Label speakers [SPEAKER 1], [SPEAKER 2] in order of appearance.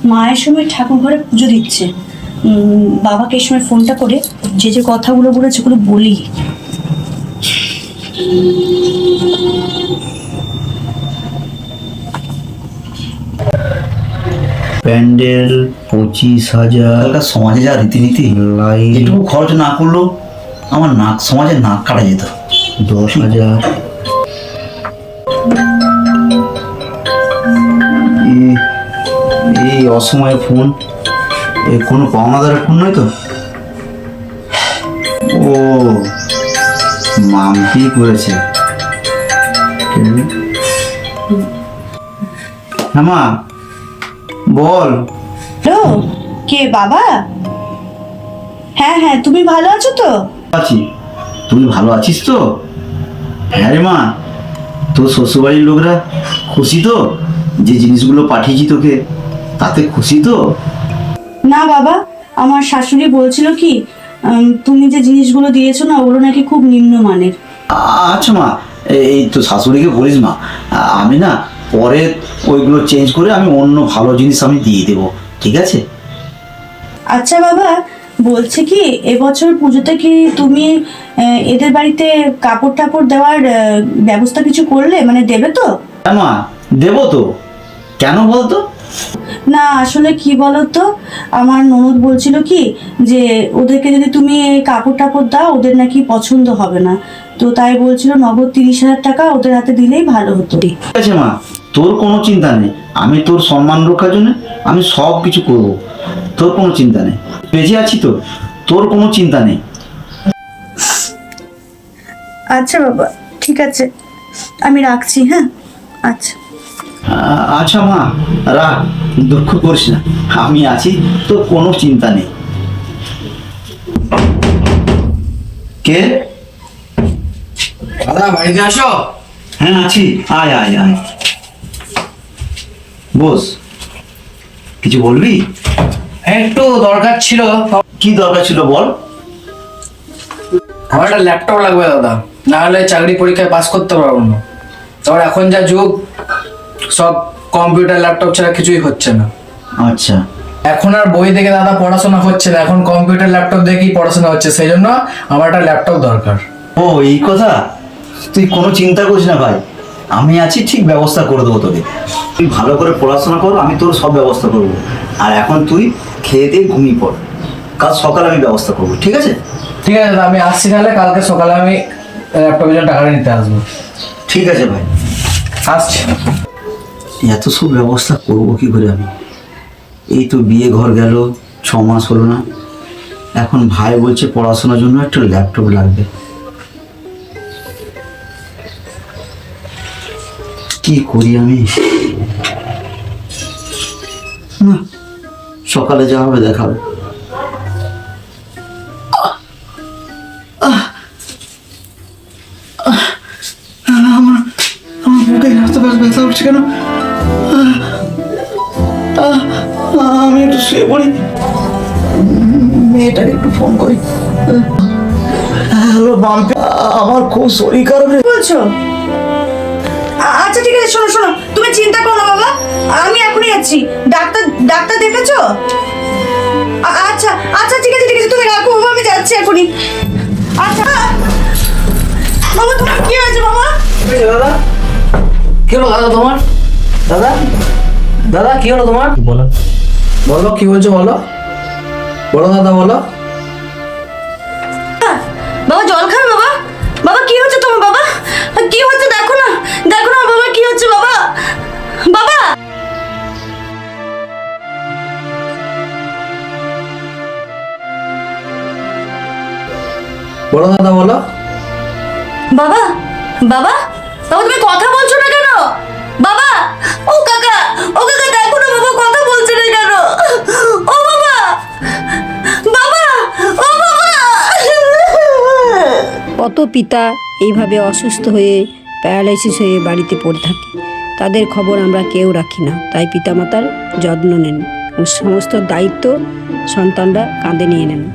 [SPEAKER 1] মায়ের সময় ঠাকুর ঘরে পুজো দিচ্ছে। বাবাকে এই সময় ফোনটা করে যে যে কথাগুলো বলেছে ওগুলো বলি।
[SPEAKER 2] প্যান্ডেল 25,000, সমাজে যা রীতিনীতি এটুকু খরচ না করলেও আমার নাক সমাজে নাক কাটা যেত। 10,000, এই অসময়ে ফোন, এ কোনো পাওনাদারের ফোন নয় তো? ও মাম্পি করেছে। হ্যাঁ মা বল।
[SPEAKER 1] হ্যালো, কে বাবা? হ্যাঁ হ্যাঁ, তুমি ভালো আছো তো?
[SPEAKER 2] আছি, তুই ভালো আছিস তো? হ্যাঁ রে মা, তোর শ্বশুরবাড়ির লোকরা খুশি তো? যে জিনিসগুলো পাঠিয়েছি তোকে তাতে খুশি তো?
[SPEAKER 1] না বাবা, আমার শাশুড়ি বলছিল কি তুমি যে জিনিসগুলো দিয়েছো না ওগুলো নাকি খুব নিম্নমানের।
[SPEAKER 2] আচ্ছা মা, এই তো শাশুড়িকে বলিস মা, আমি না পরে ওইগুলো চেঞ্জ করে আমি অন্য ভালো জিনিস আমি দিয়ে দেবো, ঠিক আছে?
[SPEAKER 1] আচ্ছা বাবা, বলছে কি এবছর পুজোতে কি তুমি এদের বাড়িতে কাপড় টাপড় দেওয়ার ব্যবস্থা কিছু করলে, মানে দেবে তো?
[SPEAKER 2] হ্যাঁ মা, দেবো তো। কেন বলতো?
[SPEAKER 1] না আসলে কি বলতো, আমার ননদ বলছিল কি যে ওদেরকে যদি তুমি এই কাপড় টাপড় দাও ওদের নাকি পছন্দ হবে না, তো তাই বলছিল নগদ 30,000 টাকা ওদের হাতে দিলেই ভালো হতো।
[SPEAKER 2] ঠিক আছে মা, তোর কোনো চিন্তা নেই, আমি তোর সম্মান রক্ষার জন্য আমি সব কিছু করবো, তোর কোনো চিন্তা নেই। বেঁচে আছি তো, তোর কোনো চিন্তা নেই।
[SPEAKER 1] আচ্ছা বাবা, ঠিক আছে, আমি রাখছি। হ্যাঁ আচ্ছা।
[SPEAKER 2] আচ্ছা মা, রাখ, দুঃখ করিস না, আমি আছি, তোর কোনো চিন্তা নেই। কে?
[SPEAKER 3] দাদা বাড়িতে আসো।
[SPEAKER 2] হ্যাঁ আছি, আয় আয় আয়, বস। কিছু বলবি?
[SPEAKER 3] একটু দরকার ছিল।
[SPEAKER 2] কি দরকার ছিল বল।
[SPEAKER 3] আমার একটা ল্যাপটপ লাগবে দাদা, না হলে চাকরি পরীক্ষায় পাস করতে পারবো না। তারপর এখন যা যুগ, সব কম্পিউটার ল্যাপটপ ছাড়া কিছুই হচ্ছে না।
[SPEAKER 2] আচ্ছা,
[SPEAKER 3] এখন আর বই দেখে দাদা পড়াশোনা হচ্ছে না, এখন কম্পিউটার ল্যাপটপ দেখেই পড়াশোনা হচ্ছে, সেই জন্য আমার একটা ল্যাপটপ দরকার।
[SPEAKER 2] ও এই কথা, তুই কোনো চিন্তা করিস না ভাই, আমি আছি, ঠিক ব্যবস্থা করে দেবো তোকে। তুই ভালো করে পড়াশোনা কর, আমি তোর সব ব্যবস্থা করব। আর এখন তুই খেয়ে দিয়ে ঘুমিয়ে পড়, কাল সকালে আমি ব্যবস্থা করবো, ঠিক আছে?
[SPEAKER 3] ঠিক আছে দাদা, আমি আসছি, তাহলে কালকে সকালে আমি ল্যাপটপের জন্য টাকাটা নিতে আসবো।
[SPEAKER 2] ঠিক আছে ভাই,
[SPEAKER 3] আসছি।
[SPEAKER 2] এত সব ব্যবস্থা করবো কি করে আমি? এই তো বিয়ে ঘর গেল, 6 মাস হলো না, এখন ভাই বলছে পড়াশোনার জন্য একটা ল্যাপটপ লাগবে। কি করি আমি? না, সকালে যা হবে দেখাবে। আমার আমার বুকে এত ব্যথা উঠছে কেন? আমি একটু শুয়ে পড়ি, মেয়েটাকে একটু ফোন করি। হ্যালো মাম্পি, আমার খুব শরীর খারাপ রে।
[SPEAKER 1] বলছো? আচ্ছা ঠিক আছে, শোনো শোনো, তুমি চিন্তা করো না বাবা, আমি এখনই যাচ্ছি। ডাক্তার ডাক্তার দেখেছো? আচ্ছা আচ্ছা ঠিক আছে ঠিক আছে, তুমি রাখো বাবা, আমি যাচ্ছি এখনই। আচ্ছা বাবা, তোমার কি হয়েছে বাবা?
[SPEAKER 3] দাদা কি হলো দাদা তোমার? দাদা দাদা কি হলো তোমার? বলো বলো, কি বলছো বলো, বলো দাদা বলো।
[SPEAKER 1] বাবা জল খাবে বাবা? বাবা কি হচ্ছে তোমার বাবা? কি হচ্ছে দেখো না, দেখো না বাবা কি হচ্ছে বাবা? বাবা
[SPEAKER 3] বলো দাদা বলো।
[SPEAKER 1] বাবা বাবা বাবা, তুমি কথা বলছো না কেন বাবা? ও কাকা, ও কাকা দেখো না বাবা কথা বলছে না কেন? ও বাবা, বাবা, ও বাবা।
[SPEAKER 4] কত পিতা এইভাবে অসুস্থ হয়ে প্যারালাইসিস হয়ে বাড়িতে পড়ে থাকে, তাদের খবর আমরা কেউ রাখি না। তাই পিতামাতার যত্ন নেন, সমস্ত দায়িত্ব সন্তানরা কাঁধে নিয়ে নেন।